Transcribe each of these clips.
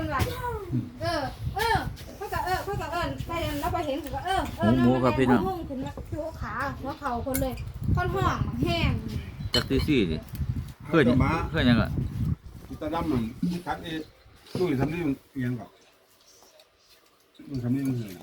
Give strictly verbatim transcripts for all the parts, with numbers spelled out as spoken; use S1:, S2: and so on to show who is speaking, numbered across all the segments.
S1: คนว่าเออเออเพื่อกับเออเพื่อกับเออไปแล้วไปเห็นก็เออเออ
S2: หมูครับพี่น้อง
S1: ห้องขึ้นมาโยขาหัวเข่าคนเลยคนห้องแห้ง
S2: จักซี่ซี่ดิเพื่อนเพื่อนยังอ่ะ
S3: ตาดำมันคัดเอ้ตู้ทำนี่มันเอียงก่อนมันทำนี่มันเหี่ยว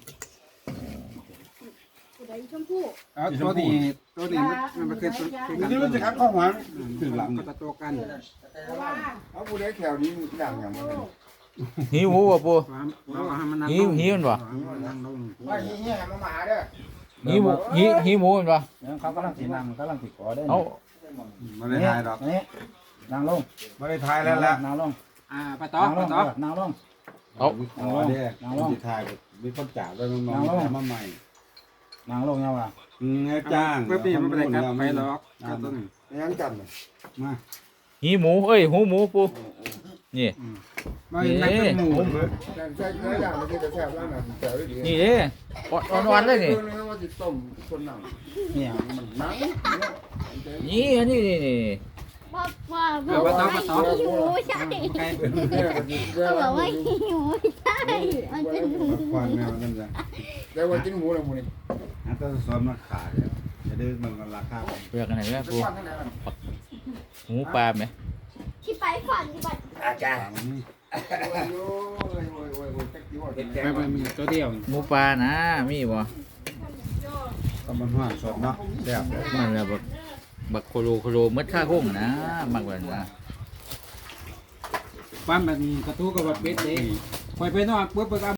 S1: ผู้ใดชมพู่
S4: เอาตัวนี้ตัวนี้มันมันคือคือ
S3: มันนี่มันจะคัดข้อหวานถึงหลัง
S4: ก็ตะโตกัน
S1: เพราะว่า
S3: เอาผู้ใดแถวนี้อย่างอย่างมัน
S2: หิวหมูบ่ปู
S4: เราให้มันนั่ง
S2: หิวหิวมันบ่
S4: นั่งลง
S3: ว่าเฮียมาหมาเด้อ
S2: หิวหมูหิวหิวหมูมันบ่
S5: เขากำลังสีนั่งกำลังสีขอได้
S2: เอา
S3: ไม่ได้ทายหรอก
S5: นี่นั่งลง
S3: ไม่ได้ทายแล้วแหละ
S5: นั่งลง
S4: อ่าปะตอ
S5: นั่งล
S4: ปะ
S5: ง
S4: ตอ
S5: นั่งลง
S2: เอา
S3: อ๋อเด้อไม่ได้ทายมีคนจ่าด้วยน้องๆมาใหม่
S5: นั่งลงยังวะ
S3: อืมจ้าง
S4: เมื่อปีมันไม่ได้กลับไปหรอกก็ตัวนี้
S3: ยังจันมา
S2: หิวหมูเอ้ยหูหมูปูนี่
S4: ไม่ไม่เป็นหมู
S3: แต่ใช่ใช่อย่างที่จะแซ่บแล้วนะแซ่บดี
S2: นี่เด้อ่อนๆเลยนี่
S3: ว่าจะต้มคนนั่ง
S5: เนี่ย
S3: มันนั่ง
S2: นี่อันนี้นี่นี่
S6: ว่าว่า
S4: เออปะตอปะตอ
S6: หิวใช่
S4: ไก่
S6: เขาบอกว่าหิวใช่มันเป็นหมู
S3: ควันแมวนั่นจ้ะแต่ว่ากินหมูแล้วหมูนี่อันต้องซ้อมมาขายจะได้มันราคา
S2: เปลือกอันไหนแม่ปูหมูปลาไหม
S6: ที่ไปฝันที่ไป
S3: อาจารย์นี่
S4: ไปไปมีตัวเดียว
S2: หมูปลานะมีบ่
S3: ก็มันห่านสดเนาะแซ่บเลย
S2: มันละบักบักโคโลโคโลมัดค่าโค้งนะมักแบบนะ
S4: ปั้นแบบนี้กระทู้กับแบบเป็ดเด้คอยไปนอกปุ๊บไป